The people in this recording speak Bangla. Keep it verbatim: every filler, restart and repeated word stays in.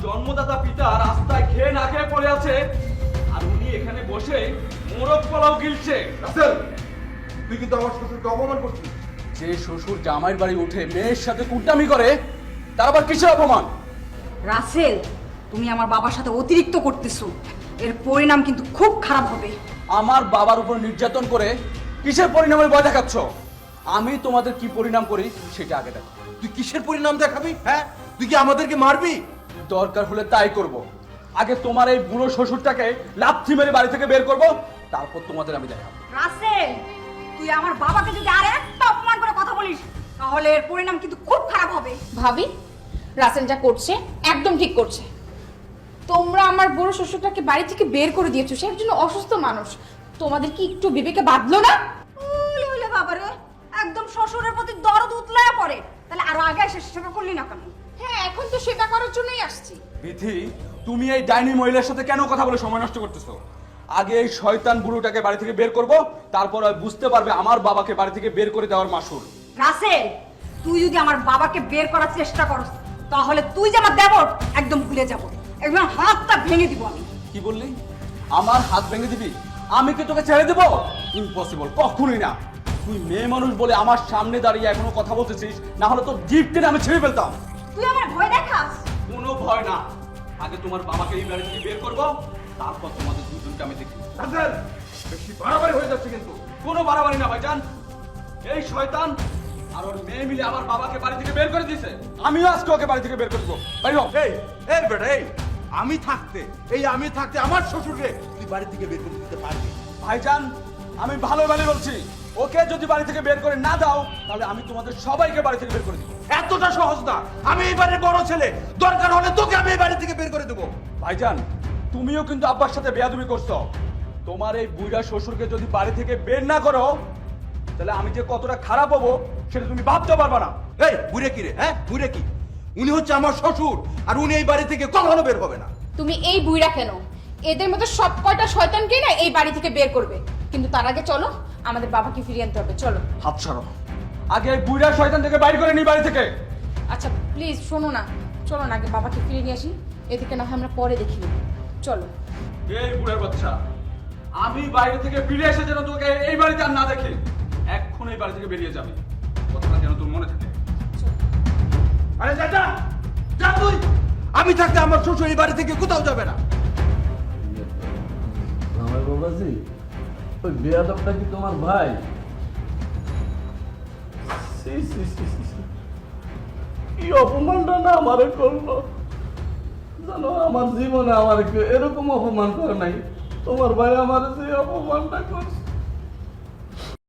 জন্মদাতা পিতা রাস্তায় খেয়ে না খেয়ে পড়ে আছে, আর উনি এখানে বসে মোরগ পোলাও গিলছে। রাসেল, তুই কিন্তু আমার শ্বশুরকে অপমান করছিস। যে শ্বশুর জামাইয়ের বাড়ি উঠে মেয়ের সাথে কুটামি করে, তার আবার কিসের অপমান? রাসেল, তুমি আমার বাবার সাথে অতিরিক্ত করতেছো, এর পরিণাম কিন্তু খুব খারাপ হবে। আমার বাবার উপর নির্যাতন করে কিসের পরিণামের ভয় দেখাচ্ছ? আমি তোমাদের কি পরিণাম করি সেটা আগে দেখো। তুই কিসের পরিণাম দেখাবি? হ্যাঁ, তুই কি আমাদেরকে মারবি? দরকার হলে তাই করব। আগে তোমার এই বুড়ো শ্বশুরটাকে লাথি মেরে বাড়ি থেকে বের করব, তারপর তোমাদের আমি দেখাবো। রাসেল, তুই আমার বাবাকে যদি আর একটা অপমান করে কথা বলিস, তাহলে এর পরিণাম কিন্তু খুব খারাপ হবে। ভাবি, রাসেল যা করছে একদম ঠিক করছে। তোমরা আমার বড় শ্বশুরটাকে বাড়ি থেকে বের করে দিয়েছো, সে একজন অসুস্থ মানুষ। তোমাদের কি একটু বিবেকে বাঁধলো না? ওলে ওলে বাবারে, একদম শ্বশুরের প্রতি দরদ উতলায়া পড়ে। তাহলে আরো আগে এসে সেটা করলি না কেন? হ্যাঁ, এখন তো সেটা করার জন্যই আসছি। বিথি, তুমি এই ডাইনি মহিলার সাথে কেন কথা বলে সময় নষ্ট করতেছো? আগে এই শয়তান বুড়োটাকে বাড়ি থেকে বের করব, তারপর আর বুঝতে পারবে আমার বাবাকে বাড়ি থেকে বের করে দেওয়ার মাসুল। রাসেল, তুই যদি আমার বাবাকে বের করার চেষ্টা করস, তাহলে তুই যে আমার দেবর, একদম ভুলে যাব, একদম হাতটা ভেঙে দিব আমি। কি বললি? আমার হাত ভেঙে দিবি? আমি কি তোকে ছেড়ে দেবো? ইম্পসিবল, কখনোই না। তুই মেয়ে মানুষ বলে আমার সামনে দাঁড়িয়ে এখনো কথা বলতেছিস, না হলে তো জিপ টেনে আমি ছেড়ে ফেলতাম। তুই আমার ভয় দেখাস? কোনো ভয় না। আগে তোমার বাবাকে এই বাড়ি থেকে বের করবো, তারপর তোমাদের দুজনকে আমি দেখি। রাসেল, বেশি বাড়াবাড়ি হয়ে যাচ্ছে কিন্তু। কোনো বাড়াবাড়ি না ভাইজান। এই শয়তান আর ওর মেয়ে মিলে আমার বাবাকে বাড়ি থেকে বের করে দিয়েছে। আমিও আজকে ওকে বাড়ি থেকে বের করে দেবো। বাইরে হও। এই এই বেটা, এই আমি থাকতে এই আমি থাকতে আমার শ্বশুরকে তুই বাড়ি থেকে বের করে দিতে পারবি? ভাইজান, আমি ভালো ভালো বলছি, ওকে যদি বাড়ি থেকে বের করে না দাও, তাহলে আমি তোমাদের সবাইকে বাড়ি থেকে বের করে দিব। এতটা সহজ না। আমি এই বাড়ির বড় ছেলে, দরকার হলে তোকে আমি এই বাড়ি থেকে বের করে দেবো। ভাইজান, তুমিও কিন্তু আব্বার সাথে বেয়াদবি করছো। তোমার এই বুইড়া শ্বশুরকে যদি বাড়ি থেকে বের না করো, তাহলে আমি যে কতটা খারাপ হবো সেটা তুমি ভাবতে পারবা না। এই বুড়ে কি রে? হ্যাঁ, বুড়ে কি? উনি হচ্ছে আমার শ্বশুর, আর উনি এই বাড়ি থেকে কখনো বের হবে না। তুমি এই বুইড়া কেন? এদের মতো সব কয়টা শয়তানকেই না এই বাড়ি থেকে বের করবে, কিন্তু তার আগে চলো আমাদের বাবাকে ফিরিয়ে আনতে হবে। চলো। হাত ছাড়ো। আগে এই বুইড়া শয়তান থেকে বাইর করে নি বাড়ি থেকে। আচ্ছা প্লিজ শোনো না, চলো না আগে বাবাকে ফিরিয়ে নিয়ে আসি, এদিকে না হয় আমরা পরে দেখি নেব। চলো। এই বুড়ার বাচ্চা, আমি বাইরে থেকে ফিরে এসে যেন তোকে এই বাড়িতে আর না দেখে, এখন এই বাড়ি থেকে বেরিয়ে যাবে। কথাটা যেন তোর মনে থাকে। আরে যা যা যা তুই। আমি থাকতে আমার শ্বশুর এই বাড়ি থেকে কোথাও যাবে না। আমার বাবাজি, ওই বেয়াদবটা কি তোমার ভাই? সি, সি, সি, সি, সি। কি অপমানটা না আমারে করলো জানো? আমার জীবনে আমার কেউ এরকম অপমান করে নাই। তোমার ভাই আমার যে অপমানটা করছে,